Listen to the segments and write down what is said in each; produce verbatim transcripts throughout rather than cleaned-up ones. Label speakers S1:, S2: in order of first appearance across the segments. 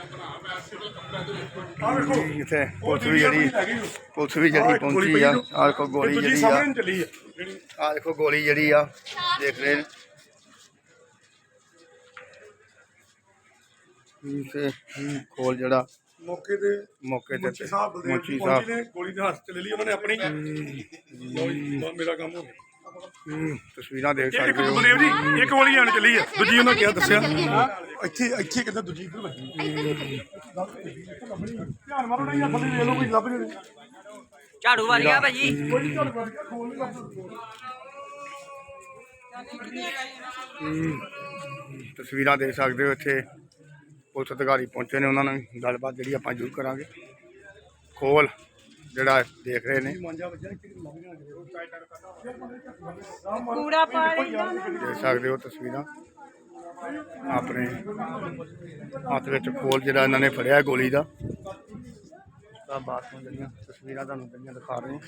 S1: इतने पुलिस भी जी पुलिस भी जी पहुंची आ देखो गोली जी आ देखो गोली जी आ देख रहे खोल जड़ा
S2: मौके ते
S1: मौके ते
S2: मुंशी साहब
S1: मुंशी
S2: बलदेव
S1: साहब
S2: ने गोली ने हाथ च ले ली उन्होंने अपनी मेरा काम हो गया
S1: तस्वीर देख
S2: एक
S1: सकते हो
S2: बलदेव जी एक गोली आने चली है दूजी उन्होंने क्या दसिया ਇੱਥੇ ਇੱਥੇ ਕਿੱਦਾਂ ਦੂਜੀ ਇੱਧਰ ਲੱਗੀ ਧਿਆਨ ਮਾਰੋ ਨਹੀਂ ਆ ਥੱਲੇ ਲੈ ਲਓ ਕੋਈ ਲੱਭ ਜੇ
S3: ਝਾੜੂ ਵੱਜ ਗਿਆ ਭਾਜੀ
S2: ਕੋਈ ਝਾੜੂ ਵੱਜ ਗਿਆ ਖੋਲ ਨਹੀਂ ਲੱਭਦਾ
S1: तस्वीर देख सकते हो इतने पुलिस अधिकारी पहुंचे ने उन्होंने गलबात जी आप जरूर करा खोल जरा देख रहे हैं देख सकते हो तस्वीर अपने हाथ में खोल जरा इन्होंने फड़िया गोली का बाद में जी तस्वीर दिखा रहे हैं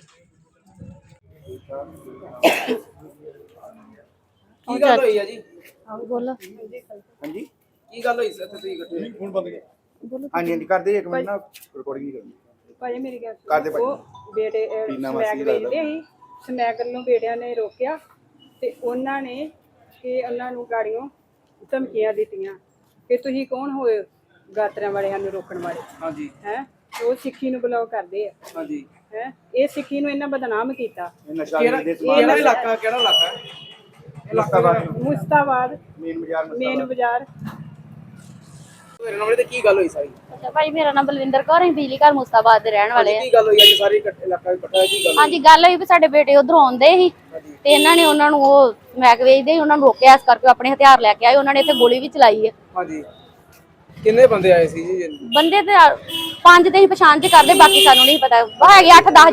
S3: ਕੀ ਗੱਲ ਹੋਈ ਆ ਜੀ
S4: बोलो
S3: ਹਾਂਜੀ ਕੀ ਗੱਲ ਹੋਈ ਸੀ ਇੱਥੇ ਤੁਸੀਂ ਇਕੱਠੇ
S2: ਹੁਣ ਬੰਦ ਗਿਆ
S5: ਹਾਂਜੀ ਹਾਂਜੀ ਕਰਦੇ ਇੱਕ ਮਿੰਟ ਨਾ ਰਿਕਾਰਡਿੰਗ ਨਹੀਂ ਕਰਨੀ
S6: ਭਾਜੀ ਮੇਰੀ ਗੱਲ
S5: ਕਰਦੇ ਭਾਜੀ।
S6: ਉਹ ਬੇਟੇ ਅਹ,
S5: ਪੀਨਾ
S6: ਸਮੈਕ
S5: ਮਸੀਹ ਲੱਗਦਾ।
S6: ਵੇਚਦੇ ਸੀ ਸਮੈਕ ਨੂੰ ਬੇਟਿਆਂ ਨੇ ਰੋਕਿਆ ਤੇ ਉਹਨਾਂ ਨੇ ਕਿ ਉਹਨਾਂ ਨੂੰ ਗਾੜੀਆਂ ਧਮਕੀਆਂ ਦਿੱਤੀਆਂ ਕਿ ਤੁਸੀਂ ਕੌਣ ਹੋਏ ਗਾਤਰਿਆਂ ਵਾਲੇ ਸਾਨੂੰ ਰੋਕਣ ਵਾਲੇ
S3: ਹਾਂਜੀ
S6: ਹੈ ਉਹ ਸਿੱਖੀ ਨੂੰ ਬਲੌਕ ਕਰਦੇ ਆ
S3: ਹਾਂਜੀ
S6: ਹੈ ਇਹ ਸਿੱਖੀ ਨੂੰ ਇਹਨਾਂ ਬਦਨਾਮ ਕੀਤਾ
S5: ਇਹ ਨਸ਼ਾ
S3: ਕਿਹੜਾ
S5: ਦੇ
S3: ਕਿਹੜਾ ਇਲਾਕਾ ਕਿਹੜਾ ਇਲਾਕਾ ਹੈ
S6: ਮੁਸਤਾਬਾਦ
S5: ਮੇਨ ਬਾਜ਼ਾਰ
S6: ਮੇਨ ਬਾਜ਼ਾਰ
S3: ਮੇਰੇ ਨਾਲ ਤੇ ਕੀ ਗੱਲ ਹੋਈ ਸਾਰੀ
S4: अच्छा भाई मेरा नाम बलविंदर कौर है बिजली घर मुस्ताबाद ਦੇ ਰਹਿਣ ਵਾਲੇ
S3: ਕੀ ਗੱਲ ਹੋਈ ਅੱਜ ਸਾਰੀ ਇਕੱਠੇ ਇਲਾਕਾ ਇਕੱਠਾ ਕੀ ਗੱਲ
S4: ਹਾਂਜੀ ਗੱਲ ਹੋਈ ਵੀ ਸਾਡੇ ਬੇਟੇ ਉਧਰੋਂ ਆਉਂਦੇ ਸੀ ਤੇ ਇਹਨਾਂ ਨੇ ਉਹਨਾਂ ਨੂੰ ਉਹ ਸਮੈਕ ਵੇਚਦੇ ਸੀ ਉਹਨਾਂ ਨੂੰ ਰੋਕਿਆ ਇਸ ਕਰਕੇ ਆਪਣੇ ਹਥਿਆਰ ਲੈ ਕੇ ਆਏ ਉਹਨਾਂ ਨੇ ਇੱਥੇ ਗੋਲੀ ਵੀ ਚਲਾਈ ਹੈ
S3: ਹਾਂਜੀ ਕਿੰਨੇ ਬੰਦੇ ਆਏ ਸੀ ਜੀ
S4: ਬੰਦੇ ਤੇ ਪੰਜ ਤੇ ਹੀ ਪਛਾਣ ਚ ਕਰਦੇ ਬਾਕੀ ਸਾਨੂੰ ਨਹੀਂ ਪਤਾ ਉਹ ਹੈਗੇ ਅੱਠ ਦਸ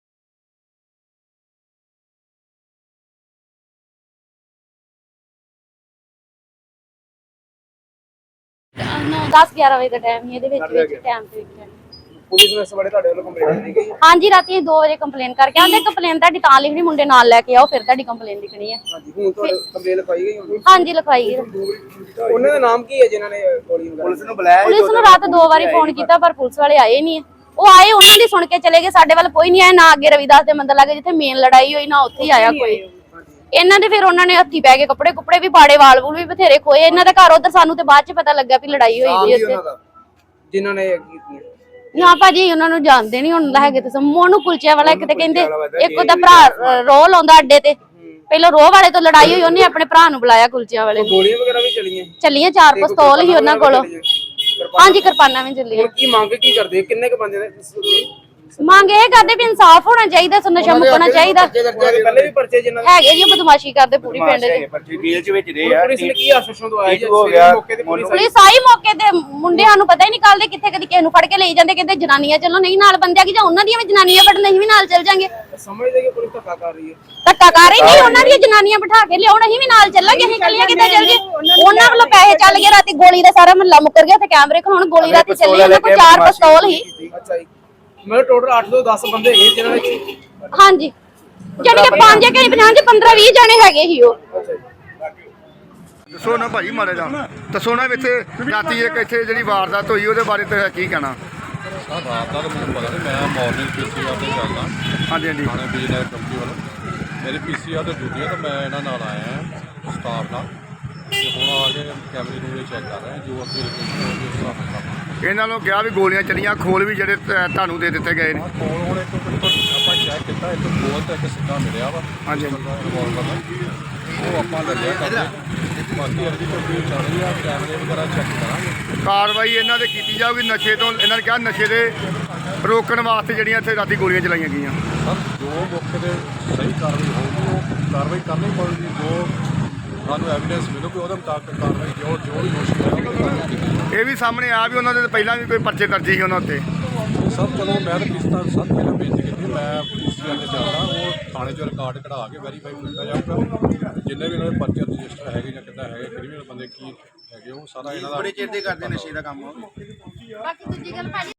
S4: दस ग्यारह बजे का टाइम ही टाइम
S3: ਪੁਲਿਸ ਨੇ ਇਸ ਬਾਰੇ ਤੁਹਾਡੇ ਵੱਲੋਂ ਕੰਪਲੇਂਟ ਦਿੱਤੀ ਗਈ
S4: हाँ जी राती दो बजे कंप्लेन करके आंदे कंप्लेन ताड़ी तां लिखनी मुंडे नाल लेके आओ फिर ताड़ी कंप्लेन लिखनी है
S3: ਹਾਂਜੀ ਹੁਣ ਤੁਹਾਡੇ ਕੰਪਲੇਂਟ ਲਿਖਾਈ ਗਈ ਹੁਣ
S4: हाँ जी लिखवाई है
S3: ਉਹਨਾਂ ਦਾ ਨਾਮ ਕੀ ਹੈ ਜਿਨ੍ਹਾਂ ਨੇ ਗੋਲੀ ਵਗੈਰਾ
S5: ਪੁਲਿਸ ਨੂੰ ਬੁਲਾਇਆ
S4: पुलिस ਨੂੰ रात दो बारी फोन किया पर पुलिस वाले आए नहीं है ਉਹ ਆਏ ਉਹਨਾਂ ਦੀ ਸੁਣ ਕੇ ਚਲੇ ਗਏ ਸਾਡੇ ਵੱਲ ਕੋਈ ਨਹੀਂ ਆਇਆ ਨਾ ਅੱਗੇ ਰਵਿਦਾਸ ਦੇ ਮੰਦਰ ਲਾਗੇ ਜਿੱਥੇ ਮੇਨ ਲੜਾਈ ਹੋਈ ਨਾ ਉੱਥੇ ਹੀ ਆਇਆ ਕੋਈ ਇਹਨਾਂ ਦੇ ਫਿਰ ਉਹਨਾਂ ਨੇ ਹੱਥੀ ਪੈ ਕੇ ਕੱਪੜੇ ਕੁੱਪੜੇ ਵੀ ਪਾੜੇ ਵਾਲ ਵੂਲ ਵੀ ਬਥੇਰੇ ਖੋਏ ਇਹਨਾਂ ਦਾ ਘਰ ਉਧਰ ਸਾਨੂੰ ਤੇ ਬਾਅਦ ਚ ਪਤਾ ਲੱਗਾ ਵੀ ਲੜਾਈ ਹੋਈ ਸੀ ਇੱਥੇ
S3: ਜਿਨ੍ਹਾਂ ਨੇ ਕੀਤੀ
S4: ਨਾ ਭਾਜੀ ਉਹਨਾਂ ਨੂੰ ਜਾਣਦੇ ਨਹੀਂ ਹੁਣ ਹੈਗੇ ਤੇ ਮੋਨੂ ਕੁਲਚੇ ਵਾਲਾ ਇੱਕ ਤੇ ਕਹਿੰਦੇ ਇੱਕ ਉਹਦਾ ਭਰਾ ਰੋਹ ਲਾਉਂਦਾ ਅੱਡੇ ਤੇ ਪਹਿਲਾਂ ਰੋਹ ਵਾਲੇ ਤੋਂ ਲੜਾਈ ਹੋਈ ਉਹਨੇ ਆਪਣੇ ਭਰਾ ਨੂੰ ਬੁਲਾਇਆ ਕੁਲਚਿਆਂ ਵਾਲੇ
S3: ਗੋਲੀਆਂ ਵਗੈਰਾ ਵੀ ਚਲੀਆਂ
S4: ਚੱਲੀਆਂ ਚਾਰ ਪਿਸਤੌਲ ਹੀ ਉਹਨਾਂ ਕੋਲ ਹਾਂਜੀ ਕਿਰਪਾਨਾਂ ਵੀ ਚੱਲੀਆਂ
S3: ਕੀ ਮੰਗ ਕੀ ਕਰਦੇ ਕਿੰਨੇ ਕ ਬੰਦੇ ਨੇ
S4: ਮੰਗ ਇਹ ਕਰਦੇ ਵੀ ਇਨਸਾਫ ਹੋਣਾ ਚਾਹੀਦਾ ਨਸ਼ਾ ਮੁਕਣਾ ਚਾਹੀਦਾ
S3: ਪਹਿਲੇ ਵੀ ਪਰਚੇ ਜਿਨ੍ਹਾਂ
S4: ਹੈਗੇ ਜੀ ਬਦਮਾਸ਼ੀ ਕਰਦੇ ਪੂਰੀ ਪਿੰਡ ਦੇ
S5: ਪਰਚੀ ਜੇਲ੍ਹ ਚ ਵਿੱਚ ਰਹੇ ਆ
S3: ਪੁਲਿਸ ਨੇ ਕੀ ਆਸ਼ਵਾਸਨ ਦਵਾਇਆ ਜੀ
S5: ਹੋ ਗਿਆ
S3: ਮੌਕੇ ਤੇ ਪੁਲਿਸ
S4: ਪੁਲਿਸ ਆਈ ਮੌਕੇ ਤੇ ਮੁੰਡਿਆਂ ਨੂੰ ਪਤਾ ਹੀ ਨਹੀਂ ਕੱਲਦੇ ਕਿੱਥੇ ਕਦੀ ਕਿਸੇ ਨੂੰ ਫੜ ਕੇ ਲਈ ਜਾਂਦੇ ਕਹਿੰਦੇ ਜਨਾਨੀਆਂ ਚੱਲੋ ਨਹੀਂ ਨਾਲ ਬੰਦਿਆਂ ਕੀ ਜਾਂ ਉਹਨਾਂ ਦੀਆਂ ਵੀ ਜਨਾਨੀਆਂ ਫੜ ਨਹੀਂ ਵੀ ਨਾਲ ਚੱਲ ਜਾਾਂਗੇ
S3: ਸਮਝਦੇ ਕਿ ਪੁਲਿਸ ਧੱਕਾ ਕਰ ਰਹੀ ਹੈ
S4: ਧੱਕਾ ਕਰ ਰਹੀ ਨਹੀਂ ਉਹਨਾਂ ਦੀਆਂ ਜਨਾਨੀਆਂ ਬਿਠਾ ਕੇ ਲਿਆਉਣ ਅਸੀਂ ਵੀ ਨਾਲ ਚੱਲਾਂਗੇ ਅਸੀਂ ਕੱਲੀਆਂ ਕਿੱਦਾਂ ਚੱਲ ਗਏ ਉਹਨਾਂ ਵੱਲੋਂ ਪੈਸੇ ਚੱਲ ਗਏ ਰਾਤੀ ਗੋਲੀ ਦਾ ਸਾਰਾ ਮਹੱਲਾ ਮੁੱਕਰ ਗਿਆ ਤੇ ਕੈਮਰੇ ਖਲਾਉਣ ਗੋਲੀ ਰਾਤੀ ਚੱਲੀ ਉਹਨਾਂ ਕੋਲ ਚਾਰ ਪਿਸਤੌਲ ਹੀ
S3: ਅੱਛਾ ਜੀ ਮੇਰੇ ਟੋਟਲ ਅੱਠ ਤੋਂ ਦਸ ਬੰਦੇ ਹੈਗੇ ਜਿਨ੍ਹਾਂ ਨੇ
S4: ਹਾਂਜੀ ਜਾਨੀ ਕਿ ਪੰਜ ਕਿ ਪੰਜਾਹ ਪੰਦਰਾਂ ਵੀਹ ਜਣੇ ਹੈਗੇ ਸੀ ਉਹ
S1: दसो ना भाई मारे जा दसो ना इतने राती एक इतने जी वारदात हुई वो बारे तो की कहना
S7: सर रात का तो मुझे पता नहीं मैं मॉर्निंग पी सी आर से चलदा
S1: हाँ जी हाँ जी
S7: थाने बिजनेस कंपनी वालों मेरी पी सी आर तो ड्यूटी है तो मैं इन्होंने नाल आया है स्टाफ नाल ते हुण आके कैमरे नूरे चेक कर रहे हैं जो अगे लोकेशन होगी उस हिसाब नाल
S1: ਇਹਨਾਂ ਨੂੰ ਕਿਹਾ ਵੀ ਗੋਲੀਆਂ ਚੱਲੀਆਂ ਖੋਲ ਵੀ ਜਿਹੜੇ ਤੁਹਾਨੂੰ ਦੇ ਦਿੱਤੇ ਗਏ ਨੇ
S7: ਕੋਲ ਹੁਣ ਇੱਕ ਆਪਾਂ ਚੈੱਕ ਕੀਤਾ ਇੱਕ ਗੋਲ ਤੇ ਇੱਕ ਸਿੱਧਾ ਮਿਲਿਆ ਵਾ
S1: ਹਾਂਜੀ
S7: ਰਿਵਾਲਵਰ ਦਾ ਉਹ ਆਪਾਂ ਲੱਗਿਆ ਕਰਦੇ ਬਾਕੀ ਅਰਜੀ ਕੋਈ ਚੱਲ ਰਹੀ ਆ ਕੈਮਰੇ ਵਗੈਰਾ ਚੈੱਕ ਕਰਾਂਗੇ
S1: ਕਾਰਵਾਈ ਇਹਨਾਂ ਦੇ ਕੀਤੀ ਜਾਊਗੀ ਨਸ਼ੇ ਤੋਂ ਇਹਨਾਂ ਨੇ ਕਿਹਾ ਨਸ਼ੇ ਦੇ ਰੋਕਣ ਵਾਸਤੇ ਜਿਹੜੀਆਂ ਇੱਥੇ ਰਾਤੀ ਗੋਲੀਆਂ ਚਲਾਈਆਂ ਗਈਆਂ
S7: ਸਰ ਜੋ ਮੌਕੇ ਤੇ ਸਹੀ ਕਾਰਵਾਈ ਹੋਊਗੀ ਉਹ ਕਾਰਵਾਈ ਕਰਨੀ ਪਊਗੀ ਜੋ ਸਾਨੂੰ ਐਵੀਡੈਂਸ ਮਿਲੂਗੀ ਉਹਦੇ ਮੁਤਾਬਕ ਕਾਰਵਾਈ ਜੋ ਜੋ ਵੀ ਦੋਸ਼ੀ ਹੈ ਉਹਦੀ ਕਾਰਵਾਈ ਕੀਤੀ ਜਾਊਗੀ।
S1: ਇਹ ਵੀ ਸਾਹਮਣੇ ਆ ਵੀ ਉਹਨਾਂ ਦੇ ਪਹਿਲਾਂ ਵੀ ਕੋਈ ਪਰਚੇ ਦਰਜ ਸੀ ਉਹਨਾਂ ਉੱਤੇ
S7: ਸਰ ਚਲੋ ਮੈਂ ਤਾਂ ਕਿਸ਼ਤਾਂ ਸਭ ਪਹਿਲਾਂ ਬੇਨਤੀ ਕੀਤੀ ਮੈਂ ਪੁਲਿਸ ਵਾਲੇ ਤੇ ਚੱਲਦਾ ਉਹ ਥਾਣੇ 'ਚੋਂ ਰਿਕਾਰਡ ਕਢਾ ਕੇ ਵੈਰੀਫਾਈ ਕੀਤਾ ਜਾਊਗਾ ਜਿੰਨੇ ਵੀ ਇਹਨਾਂ ਦੇ ਪਰਚੇ ਰਜਿਸਟਰ ਹੈਗੇ ਜਾਂ ਕਿੱਦਾਂ ਹੈਗੇ ਕ੍ਰਿਮੀਨਲ ਬੰਦੇ ਕੀ ਹੈਗੇ ਉਹ ਸਾਰਾ ਇਹਨਾਂ ਦਾ
S5: ਬੜੇ ਚਿਰ ਦੇ ਕਰਦੇ ਨਸ਼ੇ ਦਾ ਕੰਮ
S4: ਬਾਕੀ ਦੂਜੀ ਗੱਲ ਭਾਜੀ